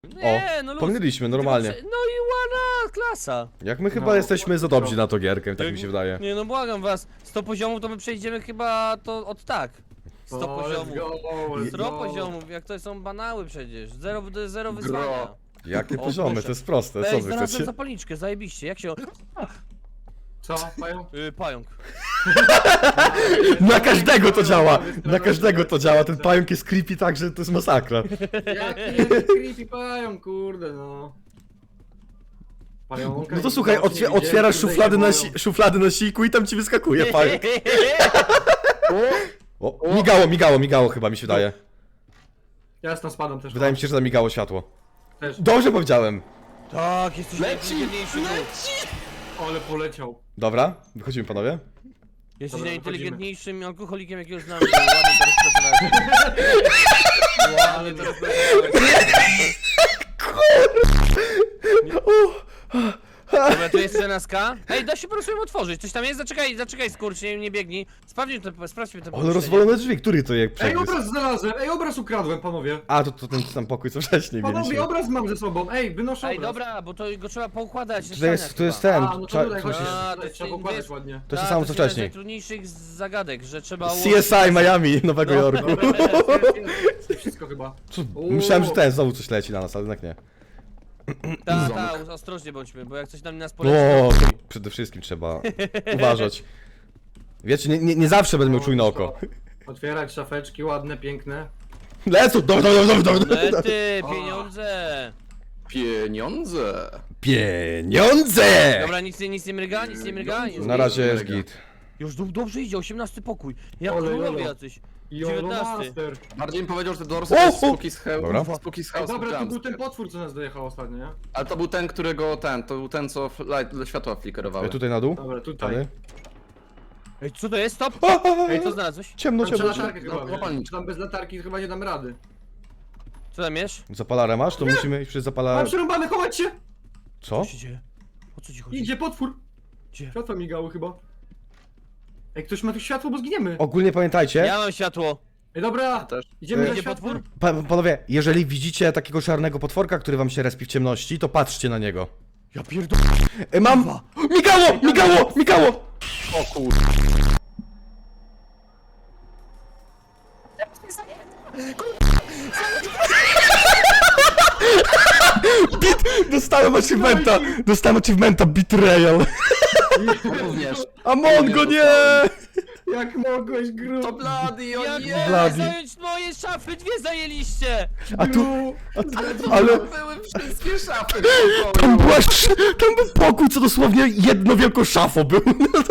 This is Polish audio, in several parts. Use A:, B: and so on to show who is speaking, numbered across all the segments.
A: Nie, no luz.
B: Pomyliliśmy, normalnie.
A: No i ładna klasa.
B: Jak my chyba
C: No,
B: jesteśmy za dobrzy na to gierkę, tak mi się wydaje.
A: Nie no błagam was, 100 poziomów to my przejdziemy chyba to od tak. 100 poziomów. 100 poziomów, jak to są banały przecież. Zero wyzwania.
B: Jakie
A: O,
B: poziomy,
A: proszę.
B: to jest proste, co
A: Ej,
B: wy
A: znalazłem
B: chcecie?
A: zapalniczkę, zajebiście, jak się...
C: Co, mają?
A: Pająk.
B: Na każdego to działa! Na każdego to działa, ten pająk jest creepy tak, że to jest masakra.
C: Jaki jest creepy pająk, kurde no. Pająka
B: No to
C: i
B: słuchaj,
C: zobaczy, nie widziałem,
B: otwierasz
C: kurde,
B: szuflady na siku i tam ci wyskakuje pająk.
C: O,
B: O, migało chyba mi się wydaje.
C: ja tam spadam też.
B: Wydaje mi się, że zamigało światło.
C: Też.
B: Dobrze powiedziałem.
A: Tak, jesteś najinteligentniejszy.
C: Ale poleciał.
B: Dobra, wychodzimy panowie.
A: Jesteś
C: Dobra,
A: najinteligentniejszym alkoholikiem, jakiego znam. Ładnie to rozpracowałeś. Ładnie to rozpracowałeś. Dobra, tu jest CNSK. Ej, da się po prostu ją otworzyć. Coś tam jest? Zaczekaj skurcz, nie biegnij. Sprawdźmy te
B: Ale
A: pomieszczenie.
B: rozwalone drzwi, który to jak
C: Ej,
B: przegryzł?
C: obraz znalazłem! Ej, obraz ukradłem, panowie!
B: A, to ten sam pokój co wcześniej
C: Panowie,
B: mieliśmy.
C: obraz mam ze sobą! Ej, wynoszę
A: Ej,
C: obraz!
A: dobra, bo to go trzeba poukładać.
B: To jest ten,
C: A, no to tutaj,
B: coś
C: chodźcie,
B: jest...
A: A,
C: tutaj
A: to
C: trzeba
A: jest-
C: pokładać ładnie.
B: To jest to samo co
A: jest jedna z
B: wcześniej.
A: najtrudniejszych zagadek, że trzeba
B: CSI Miami, Nowego
A: No.
B: Jorku.
C: Wszystko chyba.
B: Co? Myślałem, że ten znowu coś leci na nas, ale jednak nie.
A: Ostrożnie bądźmy, bo jak coś na nas poleci...
B: No, przede wszystkim trzeba uważać. Wiecie, nie zawsze będę miał czujne oko.
C: Otwierać szafeczki ładne, piękne.
B: Lecą, dobra.
A: Lety, pieniądze!
D: Pieniądze.
B: Pieniądze!
A: Dobra, nic nie mryga, nic
B: Na razie jest git.
A: Już dobrze idzie, 18 pokój. Jak
C: Ole,
A: królowie
C: ole.
A: jacyś.
C: Jolo
A: 19.
C: Master.
D: Bardziej bym powiedział, że te dorsy
B: O,
D: to jest
B: o.
D: Spooky's House.
B: Dobra.
D: Spooky's
C: Ej,
D: House
C: dobra, to był
D: Jumpscare.
C: ten potwór, co nas dojechał ostatnio, nie?
D: Ale to był ten, to był ten, co światła flickerowały.
B: Tutaj na dół?
C: Dobra, tutaj.
B: Tady.
A: Ej, co to jest? Stop!
B: A,
A: Ej, co znalazłeś?
B: Ciemno,
C: Tam trzeba
B: ciemno.
C: latarkę chyba wziąć.
D: zapalniczkę.
C: Tam bez latarki chyba nie dam rady.
A: Co tam jest?
B: Zapalarę masz? To musimy iść przez
C: Mam
B: zapalarę.
C: przerąbane, chować się!
B: Co?
A: Co się dzieje? O co ci chodzi?
C: Idzie potwór!
A: Gdzie?
C: Światła migały chyba. Ej, ktoś ma tu światło, bo zginiemy!
B: Ogólnie pamiętajcie,
A: Ja mam światło.
C: Ej, dobra!
D: Też.
C: Idziemy na
A: Idzie
C: światło?
A: potwór?
B: panowie, jeżeli widzicie takiego czarnego potworka, który wam się respi w ciemności, to patrzcie na niego.
A: Ja pierdolę.
B: Mam... Migało!
D: O kur...
B: Dostałem achievementa Betrayal.
D: Również.
B: Amongo, nie!
C: Jak mogłeś, gru?
D: To Bloody, o
A: Jak
D: nie!
A: mogę
B: Bloody.
A: zająć moje szafy? Dwie zajęliście!
B: A tu...
D: Ale
B: Ale...
D: były wszystkie szafy w
B: Tam,
D: pokoju.
B: tam był pokój, co dosłownie jedno wielką szafą był.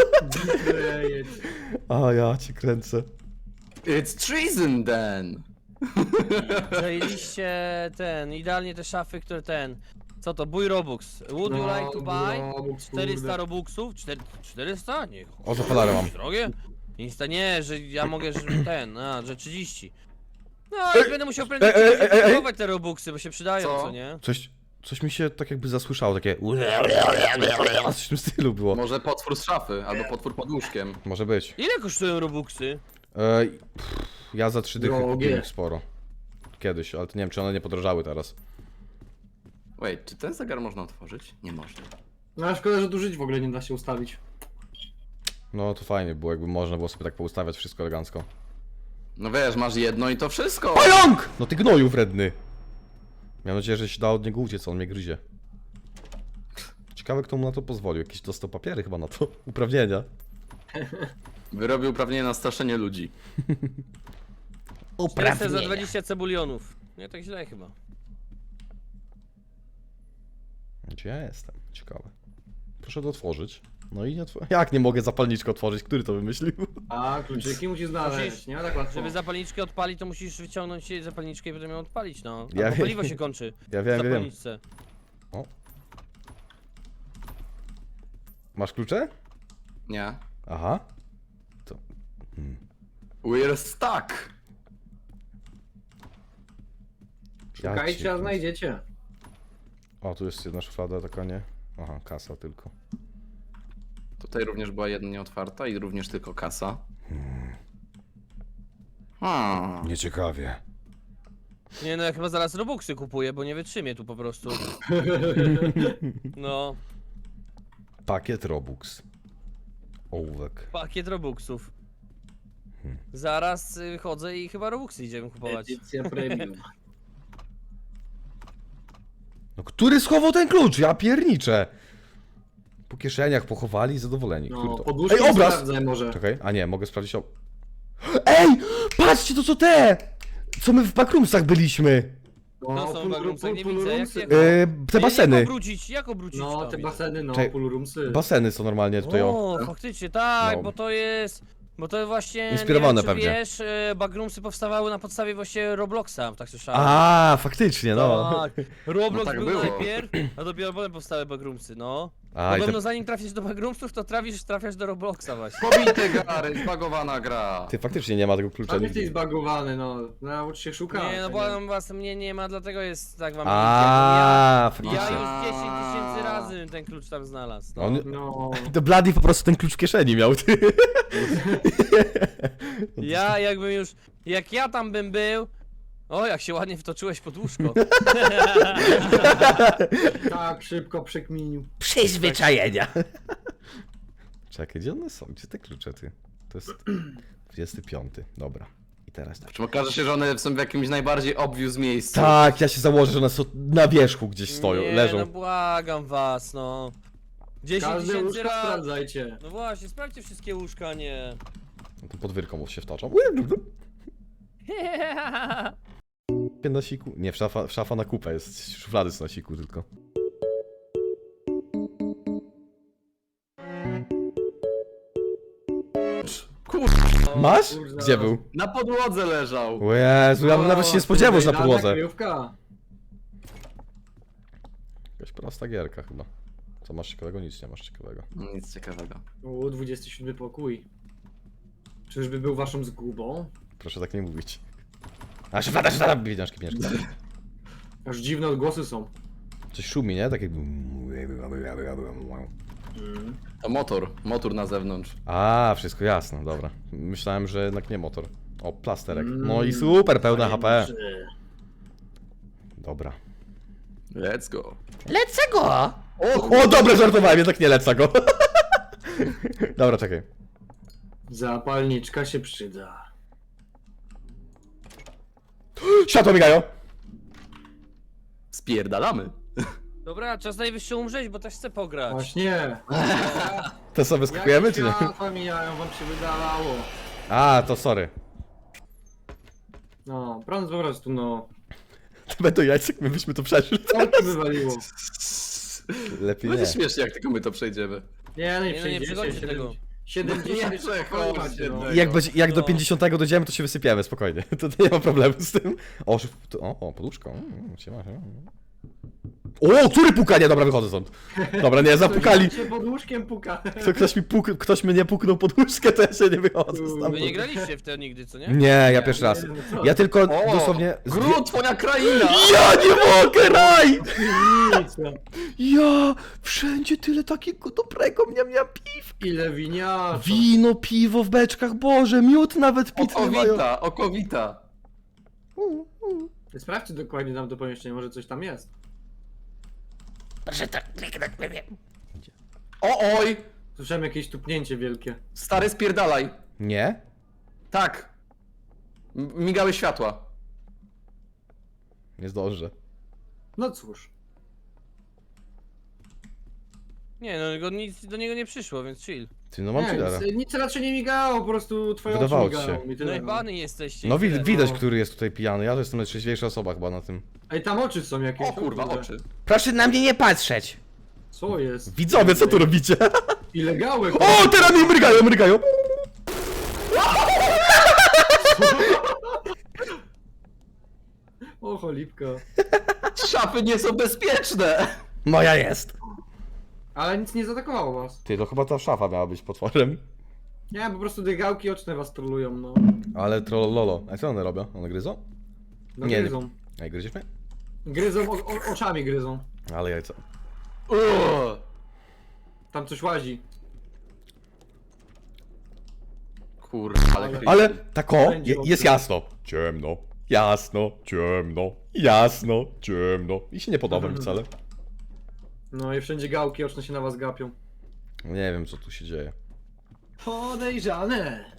B: A ja cię kręcę.
D: It's treason then.
A: Zajęliście idealnie te szafy, które Co to? Bój Robux. Would you like to buy? 400 Robuxów? 400? Nie.
B: O, zapalarę mam.
A: Drogie? Insta nie, że ja mogę, że że 30. No, ale będę musiał prędzej kupować te Robuxy, bo się przydają,
D: Co?
A: co nie?
B: Coś mi się tak jakby zasłyszało, takie... Coś w tym stylu było.
D: Może potwór z szafy, albo potwór pod łóżkiem.
B: Może być.
A: Ile kosztują Robuxy?
B: Ja za 3 dychy
C: Drogie.
B: kupiłem sporo. Kiedyś, ale to nie wiem, czy one nie podrożały teraz.
D: Wait, czy ten zegar można otworzyć? Nie można.
C: No a szkoda, że tu żyć w ogóle nie da się ustawić.
B: No to fajnie było, jakby można było sobie tak poustawiać wszystko elegancko.
D: No wiesz, masz jedno i to wszystko.
B: Pająk! No ty gnoju wredny! Miałem nadzieję, że się da od niego uciec, on mnie gryzie. Ciekawe, kto mu na to pozwolił. Jakiś dostał papiery chyba na to. Uprawnienia.
D: Wyrobił uprawnienie na straszenie ludzi.
A: 400 za 20 cebulionów. Nie tak źle chyba.
B: Gdzie ja jestem? Ciekawe. Proszę to otworzyć. No i nie Jak nie mogę zapalniczkę otworzyć? Który to wymyślił?
C: A, kluczyki musisz znaleźć, nie? Tak łatwo.
A: Żeby zapalniczkę odpalić, to musisz wyciągnąć jej zapalniczkę i potem ją odpalić, no.
B: Ja
A: Albo
B: wiem.
A: paliwo się kończy.
B: Ja
A: w
B: wiem.
A: zapalniczce.
B: O. Masz klucze?
D: Nie.
B: Aha.
D: We're stuck.
B: Ja
C: Szukajcie,
B: cię-
C: a znajdziecie.
B: O, tu jest jedna szuflada, taka nie. Aha, kasa tylko.
D: Tutaj również była jedna nieotwarta i również tylko kasa.
B: Nieciekawie.
A: Nie no, ja chyba zaraz Robuxy kupuję, bo nie wytrzymię tu po prostu. No,
B: Pakiet Robux. Ołówek.
A: pakiet Robuxów. Zaraz chodzę i chyba Robuxy idziemy kupować.
C: Edycja premium.
B: No który schował ten klucz? Ja pierniczę. Po kieszeniach pochowali, zadowoleni.
C: No,
B: Który to?
C: podłóżki
B: Ej, obraz!
C: sprawdzaj może.
B: Czekaj, a nie, mogę sprawdzić o... Ej! Patrzcie, to co te! Co my w backroomsach byliśmy?
A: To są bagrumce, nie widzę, jak się...
B: Te baseny.
A: Jak obrócić
C: No,
A: to?
C: te baseny, no,
B: Czekaj,
C: poolroomsy.
B: Baseny są normalnie tutaj, o.
A: O, faktycznie, tak,
B: No.
A: bo to jest... Bo to właśnie,
B: Inspirowane
A: nie wiem, czy
B: pewnie.
A: wiesz, backroomsy powstawały na podstawie właśnie Robloxa, tak słyszałem.
B: A, faktycznie, no.
A: Tak, Roblox
D: No tak
A: był
D: było.
A: najpierw, a dopiero potem powstały backroomsy, no.
B: A, i
A: Podobno
B: te...
A: zanim trafisz do backroomsów, to trafiasz do Robloxa właśnie.
D: Pobite gary, zbagowana gra.
B: Ty faktycznie nie ma tego klucza
C: Tam
B: nigdy.
C: jesteś zbagowany, no. Naucz się szukać.
A: Nie, no bo was mnie nie ma, dlatego jest tak wam
B: A,
A: idzie. Ja
B: faktycznie.
A: już 10 000 razy ten klucz tam znalazł. No.
B: On...
C: No.
B: To Bloody po prostu ten klucz w kieszeni miał, ty.
A: Ja jakbym już, jak ja tam bym był, o jak się ładnie wtoczyłeś pod łóżko.
C: Tak, szybko przekminił.
B: Przyzwyczajenia. Czekaj, gdzie one są? Gdzie te klucze, ty? To jest 25, dobra. I teraz tak.
D: Czy okaże się, że one są w jakimś najbardziej obvious miejscu?
B: Tak, ja się założę, że one są na wierzchu gdzieś stoją,
A: Nie,
B: leżą.
A: no błagam was, no. 10
C: Każde
A: 000
C: łóżko
A: razy.
C: sprawdzajcie.
A: No właśnie, sprawdźcie wszystkie łóżka, nie.
B: No to pod wyrką się wtaczam. Na siku? Nie, szafa na kupę jest. Szuflady są na siku tylko. Masz?
C: Kurwa.
B: Gdzie był?
D: Na podłodze leżał.
B: O Jezu, ja bym nawet się nie spodziewał, że na
C: Idealna
B: podłodze.
C: kryjówka.
B: Jakaś prosta gierka chyba. Co masz ciekawego? Nic nie masz ciekawego.
D: Nic ciekawego.
C: 27 pokój. Czyżby był waszą zgubą?
B: Proszę tak nie mówić. A szuflada, pieniążki.
C: Aż dziwne odgłosy są.
B: Coś szumi, nie? Tak jakby...
D: To motor na zewnątrz.
B: A, wszystko jasne, dobra. Myślałem, że jednak nie motor. O, plasterek. No i super, pełne HP. Dobra.
D: Let's go.
B: Lecę go! O, dobra, żartowałem, jednak nie lecę go. Dobra, czekaj.
C: Zapalniczka się przyda.
B: Światło migają!
D: Spierdalamy.
A: Dobra, czas najwyższy umrzeć, bo też chcę pograć.
C: Właśnie.
B: To sobie skakujemy, czy nie?
C: Światła mijają, wam się wydawało.
B: A, to sorry.
C: No, prąd po prostu, no.
B: To będą jajcek, my byśmy to przeszli.
C: Co ci wywaliło?
B: Lepiej nie.
D: Będzie śmiesznie, jak tylko my to przejdziemy.
C: Nie, no nie
A: Nie, no nie
C: przejdziecie.
A: przechodźcie tego.
C: 70
D: Nie przechodźcie
C: no.
D: tego.
B: Jak do
A: No.
B: 50 dojdziemy, to się wysypiemy, spokojnie. To nie ma problemu z tym. O, poduszką. Siema. O, który puka? Nie, dobra, wychodzę stąd. Dobra, nie, zapukali.
C: Ktoś się pod łóżkiem puka.
B: Ktoś mnie puknął pod łóżkę, to ja się nie wychodzę
A: Wy
B: stamtąd.
A: nie graliście w to nigdy, co nie?
B: Nie, ja pierwszy raz.
C: Nie, no co?
B: Ja tylko
D: O,
B: dosłownie...
D: Gru, twoja kraina!
B: Ja nie mogę, raj!
C: Nic, no.
B: Ja! Wszędzie tyle takiego dobrego miam piw.
C: Ile winiarza.
B: Wino, piwo w beczkach, Boże, miód nawet pitny mają.
D: Okowita.
C: Sprawdźcie dokładnie tam to pomieszczenie, może coś tam jest.
D: O oj!
C: Słyszałem jakieś tupnięcie wielkie.
D: Stary, spierdalaj.
B: Nie?
D: Tak. Migały światła.
B: Nie zdążę.
C: No cóż.
A: Nie, no nic do niego nie przyszło, więc chill.
B: Ty, no mam
C: Nie,
B: chillera.
C: nic raczej nie migało, po prostu twoje
B: Wydawało
C: oczy
B: ci
C: migają.
B: się.
C: I tyle,
A: No i bany jesteście.
B: No
A: i tyle.
B: widać,
C: no.
B: który jest tutaj pijany. Ja to jestem najtrzeźwiejsza osoba chyba na tym.
C: Ej, tam oczy są jakieś.
D: O kurwa,
C: kurde.
D: oczy.
B: Proszę na mnie nie patrzeć.
C: Co jest?
B: Widzowie, co tu robicie?
C: Ilegałek.
B: O, teraz mi mrygają.
C: O, cholipka.
D: Szafy nie są bezpieczne!
B: Moja jest.
C: Ale nic nie zaatakowało was.
B: Ty, to chyba ta szafa miała być potworem.
C: Nie, po prostu te gałki oczne was trolują, no.
B: Ale trollolo. A co one robią? One gryzą?
C: No
B: Nie,
C: gryzą.
B: Ej, gryziesz mnie?
C: Gryzą, oczami gryzą.
B: Ale jajca.
C: Tam coś łazi.
D: Kurwa, ale
B: Ale tako,
C: Będzie
B: jest jasno. Ciemno. Jasno, ciemno, jasno, ciemno. I się nie podoba mi wcale.
C: No i wszędzie gałki oczne się na was gapią.
B: Nie wiem, co tu się dzieje.
C: Podejrzane.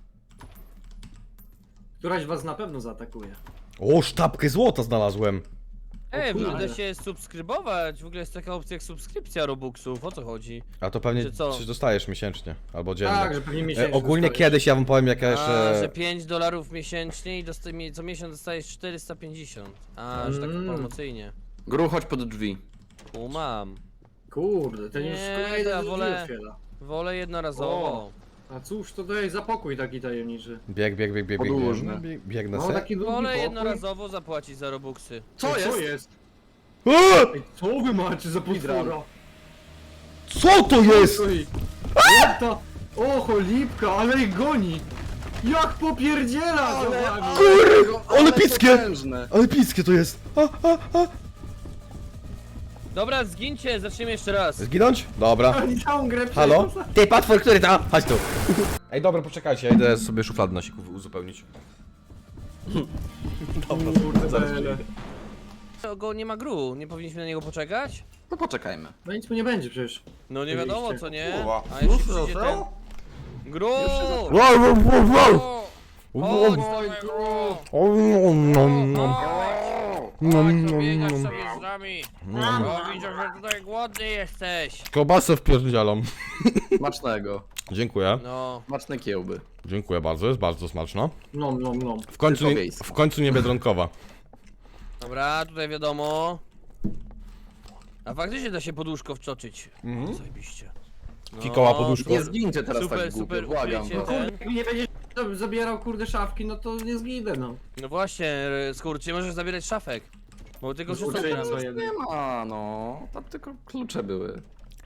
C: Któraś was na pewno zaatakuje.
B: O, sztabkę złota znalazłem.
A: Ej,
C: kurde.
A: będę się subskrybować. W ogóle jest taka opcja jak subskrypcja Robuxów. O co chodzi?
B: A to pewnie
A: Czy co?
B: coś dostajesz miesięcznie, albo dziennie.
C: Tak, że pewnie miesięcznie
B: Ogólnie
C: dostajesz.
B: kiedyś ja wam powiem, jak ja
A: A,
B: jeszcze...
A: że $5 miesięcznie i co miesiąc dostajesz 450. A, że tak promocyjnie.
D: Gru, chodź pod drzwi.
A: Mam.
C: Kurde, ten już
A: Nie,
C: kolejny
A: to ja
C: drzwi
A: wolę-
C: otwiera.
A: Wolę jednorazowo.
C: A cóż to daje za pokój taki tajemniczy?
B: Bieg.
D: Podłużny.
B: Biegnę
C: No
B: se.
C: taki długi
A: Wolę
C: pokój.
A: jednorazowo zapłacić za Robuxy.
D: Co
C: Ej,
D: jest?
C: Co jest?
B: A!
C: Ej, co wy macie za potwora?
B: Co to jest?
C: Oj, jak to? O, cholipka, ale ich goni! Jak popierdziela za wami!
B: Ale pickie!
D: potężne.
B: Ale piskie to jest.
A: Dobra, zgincie, zaczniemy jeszcze raz.
B: Zginąć? Dobra.
C: Oni całą grę
B: Halo?
C: przeszło.
B: Ty, potwór, który tam? Chodź tu. Ej, dobra, poczekajcie, ja idę sobie szuflady na siku uzupełnić.
C: Kurde, bele.
A: Go nie ma Gru, nie powinniśmy na niego poczekać?
D: No poczekajmy.
C: No nic mu nie będzie przecież.
A: No nie wiadomo co, nie?
B: Kurwa.
A: A jeśli
C: Już
A: przyjdzie ten...
C: został?
A: Gru!
B: Wow, wow, wow, wow.
A: O, chodź,
C: Oj,
A: dawaj,
C: Gru.
B: O, nom, nom.
A: Chodź, to biegasz sobie z nami. O, widzę, że tutaj głodny jesteś.
B: Kiełbasę wpierdzielam.
D: Smacznego.
B: Dziękuję.
A: No,
D: Smaczne kiełby.
B: Dziękuję bardzo, jest bardzo smaczna.
C: Nom, nom, nom.
D: Tylko wiejska.
B: W końcu nie biedronkowa.
A: dobra, tutaj wiadomo. A faktycznie da się poduszko wczoczyć. Zajebiście. No,
B: Fikoła poduszko.
D: Nie zgincie teraz
A: Super,
D: tak głupio,
A: super,
D: błagam
A: ukrycie
D: was.
A: ten.
C: Jak nie będziesz zabierał kurde szafki, no to nie zginę, no.
A: No właśnie, skurczy, możesz zabierać szafek. Bo tylko wszystko
C: Skurczy,
A: zbieram.
C: co jeden.
D: Nie ma, no. Tam tylko klucze były.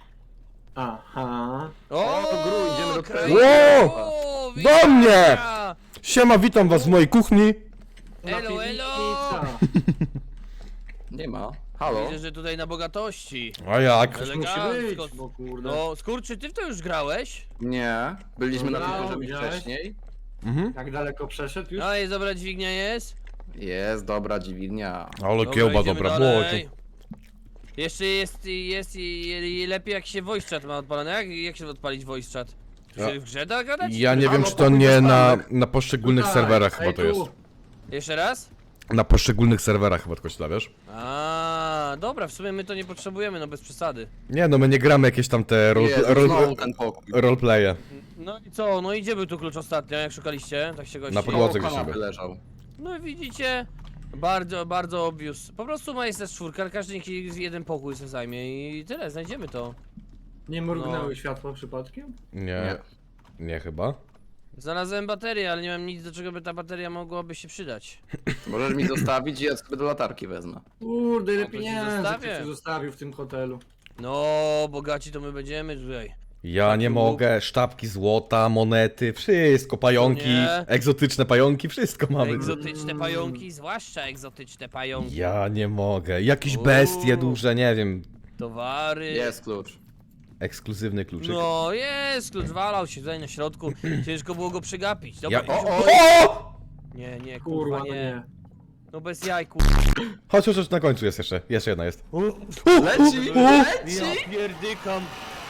C: Aha.
A: O,
D: Gru, idziemy do
A: kraina.
B: Wow!
A: O,
B: Do mnie!
A: witam!
B: Siema, witam was w mojej kuchni.
A: Elo, elo!
C: Pizza.
D: Nie ma. Halo?
A: Widzę, że tutaj na bogatości.
B: A jak?
C: Musi
A: Elegancko.
C: być, bo kurde.
A: No, skurczy, ty w to już grałeś?
D: Nie. Byliśmy na
C: Dobra,
D: tym poziomie
C: widziałeś?
D: wcześniej.
B: Mhm.
C: Jak daleko przeszedł już?
A: No i dobra dźwignia jest.
D: Jest, dobra dziwilnia.
B: Ale kiełba
A: idziemy
B: dobra,
A: dalej. Jeszcze jest i lepiej jak się voice chat ma odpalony. Jak się odpalić voice chat?
B: Ja-
A: Czy w grze da gadać?
B: Ja nie wiem,
C: Halo,
B: czy to
C: pokój
B: nie na,
C: bezpanek.
B: na poszczególnych
C: Tutaj.
B: serwerach chyba
C: Ej,
B: to
C: tu.
B: jest.
A: Jeszcze raz?
B: Na poszczególnych serwerach chyba tylko się da, wiesz?
A: A, dobra, w sumie my to nie potrzebujemy, no bez przesady.
B: Nie no, my nie gramy jakieś tam te
D: Jezu, znowu ten pokój.
B: roleplaye.
A: No i co? No i gdzie był tu klucz ostatnio, jak szukaliście? Tak się gości.
B: Na podłodze.
D: Koło
B: gdzieś
D: kanapy
B: sobie.
D: leżał.
A: No i widzicie? Bardzo, bardzo obvious. Po prostu ma jest też czwórka, ale każdy niech jeden pokój sobie zajmie i tyle, znajdziemy to.
C: Nie mrugnęły
A: No.
C: światła przypadkiem?
B: Nie, nie chyba.
A: Znalazłem baterię, ale nie mam nic, do czego by ta bateria mogłaby się przydać.
D: Możesz mi zostawić i ja sobie do latarki wezmę.
C: Kurde, ile
A: No to ci
C: pieniędzy
A: zostawię.
C: ktoś zostawił w tym hotelu.
A: No, bogaci to my będziemy tutaj.
B: Ja nie mogę, sztabki złota, monety, wszystko, pająki,
A: Nie.
B: egzotyczne pająki, wszystko mamy.
A: Egzotyczne pająki, zwłaszcza egzotyczne pająki.
B: Ja nie mogę, jakieś
A: Uuu.
B: bestie duże, nie wiem,
A: Towary.
D: Jest klucz.
B: ekskluzywny kluczyk.
A: No jest, klucz walał się tutaj na środku. Ciężko było go przegapić. Dobra,
B: Ja...
A: idźmy.
B: O!
A: Nie,
C: Kurwa,
A: kurwa,
C: no
A: nie.
C: nie.
A: No bez jaj, kurwa.
B: Chodź, na końcu jest jeszcze jedna jest.
D: Leci!
A: Ja pierdykam.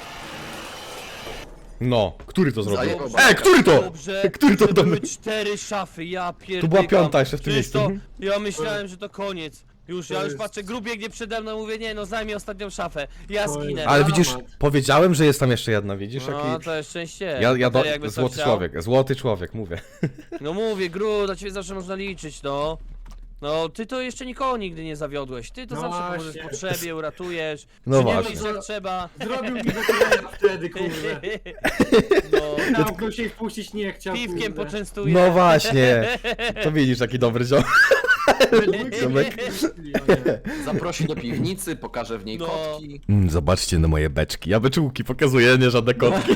B: No, który to zrobił?
D: Zajebał
B: Który to?
A: Dobrze,
B: Który to
A: że
B: do
A: były
B: mnie?
A: 4 szafy, ja pierdykam.
B: Tu była piąta jeszcze w tym
A: Przecież
B: miejscu.
A: Ja myślałem, że to koniec. Już,
C: To
A: ja już
C: jest-
A: patrzę, Gru biegnie przede mną, mówię, nie no, zajmij ostatnią szafę. Ja
C: To
A: zginę.
C: jest-
B: Ale widzisz,
C: Dramat.
B: powiedziałem, że jest tam jeszcze jedna, widzisz?
A: No,
B: Jaki...
A: to jest szczęście.
B: Ja
A: Bateria jakby co
B: złoty
A: chciał.
B: człowiek, złoty człowiek, mówię.
A: No mówię, Gru, do ciebie zawsze można liczyć, no. No, ty to jeszcze nikogo nigdy nie zawiodłeś. Ty to
C: No
A: zawsze
C: właśnie.
A: pomożesz w potrzebie, uratujesz.
B: No
A: Przyniosłeś
B: właśnie.
A: jak trzeba.
C: Zrobił mi baterię wtedy, kurde.
A: No,
C: Naukę się wpuścić nie chciał,
A: piwkiem
C: kurde.
A: poczęstuję.
B: No właśnie, to widzisz, jaki dobry ziom. Ziomek.
D: Zaprosi do piwnicy, pokaże w niej
A: No.
D: kotki.
B: Zobaczcie na moje beczki, ja beczułki pokazuję, nie żadne kotki.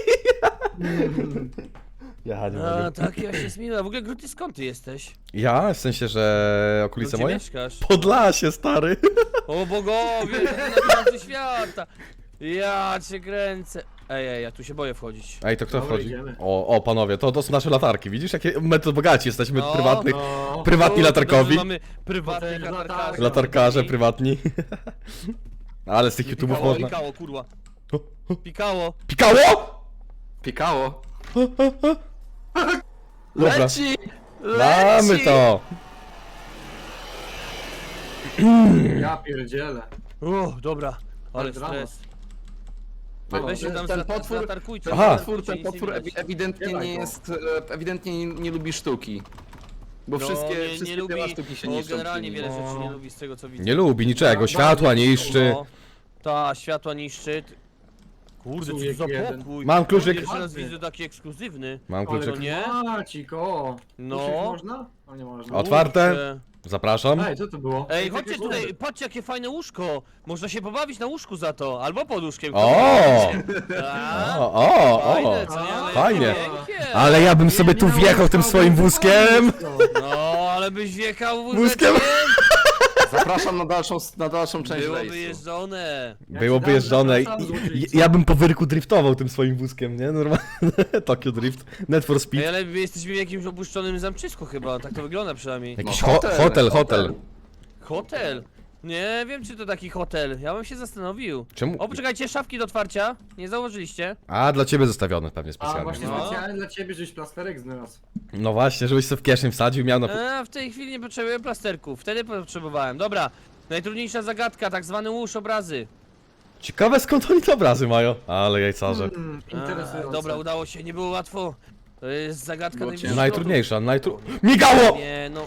B: Ja nie
A: A,
B: mogę.
A: tak, ja się zmieniła. W ogóle, Gru, ty skąd ty jesteś?
B: Ja? W sensie, że okolice
A: Gdzie
B: moje?
A: mieszkasz?
B: Podlasie, stary.
A: O bogowie, to na końcu świata. Ja cię kręcę. Ej, ja tu się boję wchodzić.
B: Ej, to kto
C: Dobra,
B: wchodzi?
C: idziemy.
B: O, panowie, to są nasze latarki, widzisz? Jakie my to bogaci jesteśmy,
A: No,
B: prywatnych,
C: No.
B: prywatni latarkowi.
A: Mamy prywatnych
C: Potem
A: latarkarzy.
B: Latarkarze prywatni. Ale z tych YouTube'ów
A: Pikało,
B: można...
A: pikało, kurwa. Pikało.
B: Pikało?
D: Pikało.
B: Dobra.
D: Leci!
B: Mamy to!
C: Ja pierdzielę.
A: Dobra. Ale
C: Drama.
A: stres.
C: Halo,
A: Weź się tam
D: ten potwór-
A: zatarkujcie.
D: Ten
B: Aha.
D: potwór, ten potwór ewidentnie
C: Dawaj
D: nie
C: go.
D: jest, ewidentnie nie lubi sztuki. Bo
A: No,
D: wszystkie
A: nie lubi,
D: dzieła sztuki się
A: no,
D: niszczą.
A: generalnie
D: przy nim.
A: wiele
C: No.
A: rzeczy nie lubi z tego co widzę.
B: Nie lubi niczego, światła niszczy.
A: No, ta światła niszczy. Kurde, co
C: Człowiek
A: za
C: jeden.
A: pokój.
B: Mam kluczyk.
A: Pierwszy raz widzę taki ekskluzywny.
B: Mam
C: Ale
B: kluczyk.
A: nie?
C: Macik, o.
A: No.
C: Usiąść można? O, nie można.
B: Otwarte?
A: Kurczę.
B: Zapraszam.
C: Ej, co to było?
A: Ej,
C: takie
A: chodźcie
C: góry.
A: tutaj, patrzcie jakie fajne łóżko. Można się pobawić na łóżku za to, albo pod łóżkiem.
B: O!
A: A,
B: O!
A: Fajne, co nie? Ale
B: Fajnie.
A: miękkie.
B: Ale ja bym sobie tu
C: Nie
B: wjechał tym
C: nauczał,
B: swoim
C: bo
B: wózkiem.
C: to.
A: No, ale byś wjechał
B: Wózkiem?
D: Zapraszam na dalszą część
A: Byłoby
D: rejsu.
A: jeżdżone.
B: Byłoby
C: dam
B: jeżdżone.
C: zapraszam, złoczyńco.
B: Ja bym po wyrku driftował tym swoim wózkiem, nie? Normalnie. Tokyo Drift. Need for
A: Ej,
B: Speed.
A: ale my jesteśmy w jakimś opuszczonym zamczysku chyba, tak to wygląda przynajmniej.
B: Jakiś
D: No,
B: hotel.
A: Hotel? Nie wiem czy to taki hotel, ja bym się zastanowił.
B: Czemu?
A: O, poczekajcie, szafki do otwarcia, nie zauważyliście?
B: A, dla ciebie zostawione pewnie
C: A
B: specjalnie.
C: właśnie
A: No.
C: specjalnie dla ciebie, żeś plasterek znalazł.
B: No właśnie, żebyś sobie w kieszeń wsadził, miał na...
A: W tej chwili nie potrzebuję plasterków, wtedy potrzebowałem. Dobra, najtrudniejsza zagadka, tak zwany łóż obrazy.
B: Ciekawe skąd oni te obrazy mają. Ale jajcarze.
C: Interesujące.
A: Dobra, udało się, nie było łatwo. To jest zagadka
D: Było
A: najwyższego.
B: Najtrudniejsza, Migało!
A: Nie no.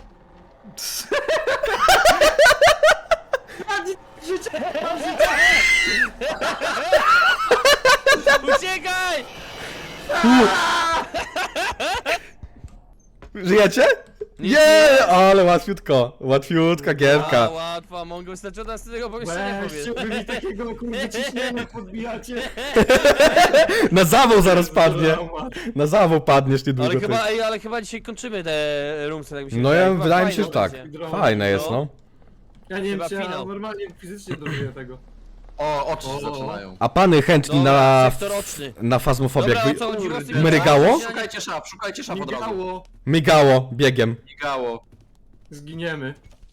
A: Uciekaj!
B: Żyjecie?
A: Nic
B: Nie, ale łatwiutko. Łatwiutka gierka.
A: Łatwo, mogę wystarczyć od tego pomieszczenia
C: Weź,
A: powiedz.
C: wy mi takiego kurde ciśnienia podbijacie.
B: Na zawał zaraz padnie. Na zawał padniesz niedługo.
A: Ale
B: ty.
A: chyba, ale chyba dzisiaj kończymy te roomsy, tak mi się
B: No
A: wydaje.
B: ja
A: Chyba
B: wydaje mi się,
A: fajną
B: że tak.
A: wersję.
B: Fajne jest, no.
C: Ja nie wiem,
A: Chyba
C: czy ja
A: finał.
C: normalnie fizycznie dożyję tego.
D: O, oczy się
C: O.
D: zaczynają.
B: A pany chętni
A: Dobra,
B: na...
A: sektor oczny.
B: Na fazmofobię.
A: Dobra, o
B: Jakby
A: co chodzi?
C: Kurde.
A: Rozsypie-
B: Mrygało?
D: Szukajcie szaf od razu.
C: Migało.
B: Migało, biegiem.
D: Migało.
C: Zginiemy.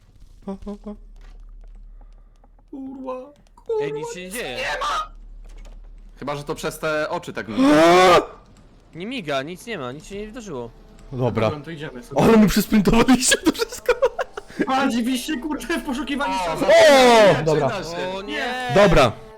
C: Kurwa.
A: Ej, nic się nie dzieje.
D: Chyba, że to przez te oczy tak mi.
A: Nie miga, nic nie ma, nic się nie wydarzyło.
B: Dobra.
C: Dobra, to idziemy sobie.
B: Ale my przysprintowaliście to wszystko.
C: A, dziwiście kurde w poszukiwaniu
D: O,
C: szafy.
B: O, dobra.
D: Zaczyna się.
A: O nie!
B: Dobra.